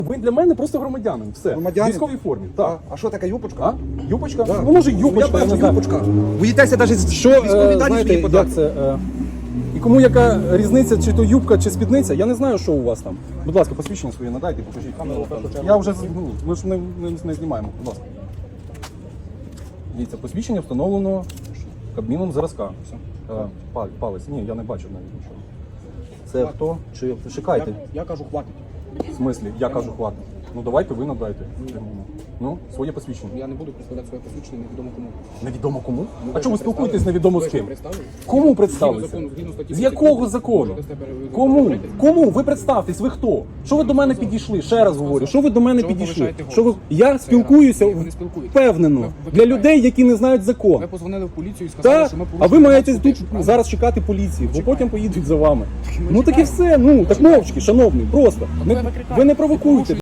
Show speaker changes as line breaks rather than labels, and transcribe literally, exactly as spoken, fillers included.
Ви для мене просто громадянин. Все.
Громадянин?
В військовій формі.
А,
Так.
а що таке юпочка?
А? Юпочка?
Да.
Ну, може,
Я
юпочка, я не
бачу,
знаю.
юпочка. Боїтеся навіть з
Що,
військові
е,
дані
знаєте,
свої подати?
як це? Е, і кому яка різниця, чи то юбка, чи спідниця, я не знаю, що у вас там. Будь ласка, посвідчення своє надайте, покажіть камеру. Я вже, ну, ми ж не, не, не знімаємо, будь ласка. Дивіться, посвідчення встановлено Кабміном зразка. Е, пал- Палець. Ні, я не бачу навіть нічого. Це хто? Чи чекайте?
Я кажу, хватить.
В смислі? Я кажу, хватить. Ну давайте ви надайте. Ну, своє посвідчення.
Я не буду представляти своє посвідчення невідомо кому.
Невідомо кому?
Ну,
А
ви
чому ви
ж
спілкуєтесь
представили?
невідомо
Ви
з
ж
ким?
представились?
Кому
Згідно
представитися?
закону, згідно статті
З якого
тридцять
закону?
можете себе
Кому?
розповідати.
Кому? Ви представтесь, ви хто? Що ви до мене підійшли? Ще раз говорю, що ви до мене
Чого ви
підійшли?
повишаєте голос?
Що ви... Я
Це
спілкуюся
раз. Ні, ви не спілкуєтесь.
впевнено
Ви
для
викликаєте.
людей, які не знають закон.
Ви позвонили в поліцію і сказали,
Так,
що ми
а ви
порушили
маєте
громадську
тут
тишу, правильно?
зараз чекати поліції, бо потім поїдуть за вами.
ми
Ну так і
чекаємо.
все, ну так мовчки, шановний, просто.
ви
Не-
викликаєте.
Ви не провокуйте.